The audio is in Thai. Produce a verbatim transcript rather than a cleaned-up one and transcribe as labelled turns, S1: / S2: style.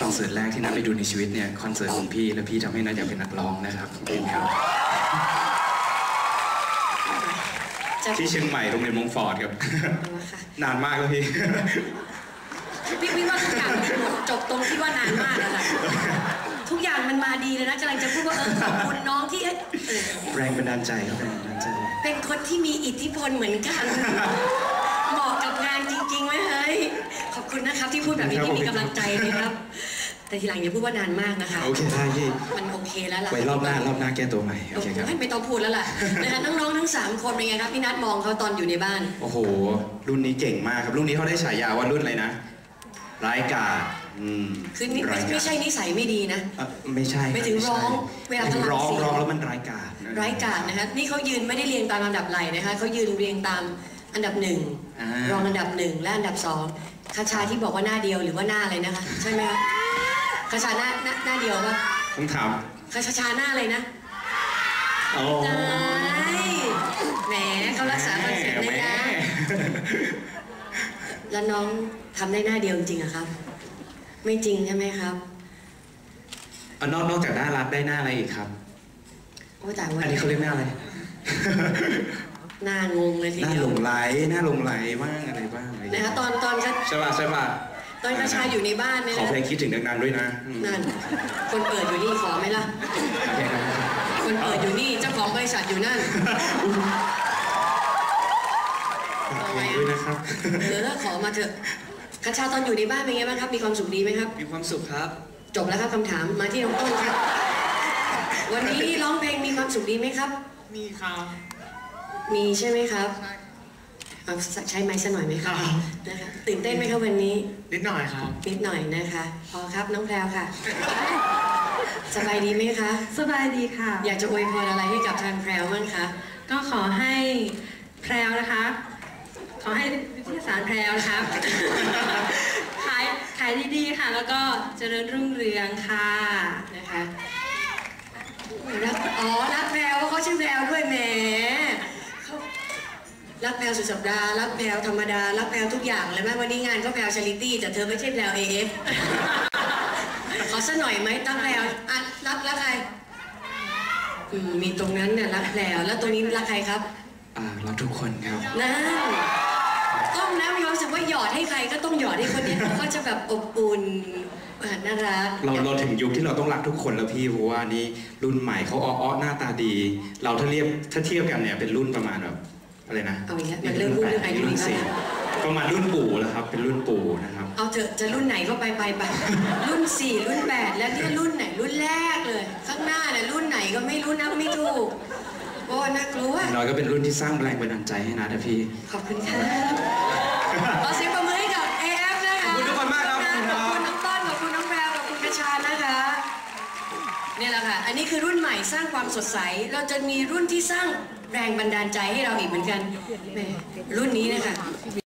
S1: อนเสิร์ตแรกที่นัทไปดูในชีวิตเนี่ยคอนเสิร์ตของพี่แล้วพี่ทำให้นัทอยากเป็นนักร้องนะครับขอบคุณครับที่เชียงใหม่โรงเรียนมงฟอร์ดครับนานมากแล้วพี่
S2: พี่พี่ว่าทุกอย่างจบตรงที่ว่านานมากแล้วค่ะทุกอย่างมันมาดีเลยนะกำลังจะพูดว่าเออขอบคุณน้องที่
S1: แรงบันดาลใจครับแรงบันดาลใจ
S2: เป็นคนที่มีอิทธิพลเหมือนกันเหมาะกับงานจริงๆไหมเฮ้ยขอบคุณนะครับที่พูดแบบนี้ที่มีกำลังใจนะครับแต่ทีหลังอย่าพูดว่านานมากนะคะ
S1: โอเคได้พี่
S2: มันโอเคแล้วล่ะ
S1: ไว้รอบหน้ารอบหน้าแก้ตัวใหม่โอเคครับ
S2: ไม่ต้องพูดแล้วล่ะนะคะน้องๆทั้งสามคนเป็นไงครับพี่นัทมองเขาตอนอยู่ในบ้าน
S1: โอ้โหรุ่นนี้เก่งมากครับรุ่นนี้เขาได้ฉายาว่ารุ่นอะไรนะร้ายกาจ
S2: คือไม่ใช่นิสัยไม่ดีนะ
S1: ไม่ใช่
S2: ไม่ถึงร้องเวลา
S1: ร้องร้องแล้วมันร้ายกาจ
S2: ร้ายกาจนะคะนี่เขายืนไม่ได้เรียงตามลำดับไหลนะคะเขายืนเรียงตามอันดับหนึ่งรองอันดับหนึ่งและอันดับสองคาชาที่บอกว่าหน้าเดียวหรือว่าหน้าอะไรนะคะใช่ไหมคะคาชาหน้าหน้าเดียวป่ะ
S1: ผมถาม
S2: คาชาหน้าอะไรนะ
S1: โอ้
S2: แหมเขารักษาคอนเซ็ปต์เลยนะแล้วน้องทำได้หน้าเดียวจริงอะครับไม่จริงใช่ไหมครับ
S1: นอกนอกจากหน้ารักได้หน้าอะไรอีกครับ
S2: โอ้แต่ว่า
S1: อันนี้เขาเรียกหน้าอะไร
S2: หน้างงเลยทีเดียว
S1: หน้าหลงไหลหน้าหลงไหลบ้างอะไรบ้าง
S2: นะคะตอนตอน
S1: ใช่ป่ะใช่ป่ะ
S2: ตอนกระชายอยู่ในบ้านเนี่ย
S1: ขอเพลงคิดถึงดังๆด้วยนะ
S2: นั่นคนเปิดอยู่นี่ขอไหมล่ะคนเปิดอยู่นี่เจ้าของบริษัทอยู่นั่น
S1: เพลงด้วยนะครับ
S2: เออขอมาเถอะกระชาตอนอยู่ในบ้านเป็นไงบ้างครับมีความสุขดีไหมครับ
S1: มีความสุขครับ
S2: จบแล้วครับคำถามมาที่น้องต้นครับวันนี้ร้องเพลงมีความสุขดีไหมครับ
S3: มีครับ
S2: มีใช่ไหมครับเอาใช้ไม้สักหน่อยไหมครับนะคะตื่นเต้นไหมครับวันนี้
S3: นิดหน่อยครับ
S2: นิดหน่อยนะคะพอครับน้องแพรวค่ะสบายดีไหมคะ
S4: สบายดีค่ะ
S2: อยากจะอวยพรอะไรให้กับทางแพรวบ้างคะ
S4: ก็ขอให้แพรวนะคะขอให้วิทยาศาสตร์แพรวนะคะขายขายดีๆค่ะแล้วก็เจริญรุ่งเรืองค่ะ
S2: นะคะรักอ๋อรักแพรวเขาชื่อแพรวด้วยแหมรักแพรวสุดสัปดาห์รักแพรวธรรมดารักแพรวทุกอย่างเลยไหมวันนี้งานก็แพรวชาริตี้แต่เธอไม่ใช่แพรวเอฟขอสักหน่อยไหมตั้งแพรวอ่ะรักรักใครมีตรงนั้นเนี่ยรักแพรวแล้วตรงนี้รักใครครับ
S1: อ่ารักทุกคนครับ
S2: นั่นต้องนะมีความรู้สึกว่าหยอดให้ใครก็ต้องหยอดให้คนนี้เขาจะแบบอบอุ่นน่ารัก
S1: เราเราถึงยุคที่เราต้องรักทุกคนแล้วพี่เพราะว่านี่รุ่นใหม่เขาอ้อๆหน้าตาดีเราถ้าเรียบถ้าเทียบกันเนี่ยเป็นรุ่นประมาณแบบอะไรนะ
S2: เอาอีกแล้วมันเริ่มพูดเรื่องอายุนี่แล้ว
S1: ประมาณรุ่นปู่แล้วครับเป็นรุ่นปู่นะครับ
S2: เอาเถอะจะรุ่นไหนก็ไปไปไปรุ่นสี่รุ่นแปดแล้วที่รุ่นไหนรุ่นแรกเลยข้างหน้าเนี่ยรุ่นไหนก็ไม่รู้นับไม่ถูกโอ้น่ากลัว
S1: น้อยก็เป็นรุ่นที่สร้างแรงบันดาลใจให้นะนะพี่
S2: ขอบคุณค่ะขอเสียงปรบมือให้กับ เอ เอฟ นะคะ
S1: ขอบคุณทุกคนมากครับ
S2: ขอบคุณน้องต้นขอบคุณน้องแพรวขอบคุณกระชานะคะนี่แหละค่ะอันนี้คือรุ่นใหม่สร้างความสดใสเราจะมีรุ่นที่สร้างแรงบันดาลใจให้เราอีกเหมือนกันรุ่นนี้นะคะ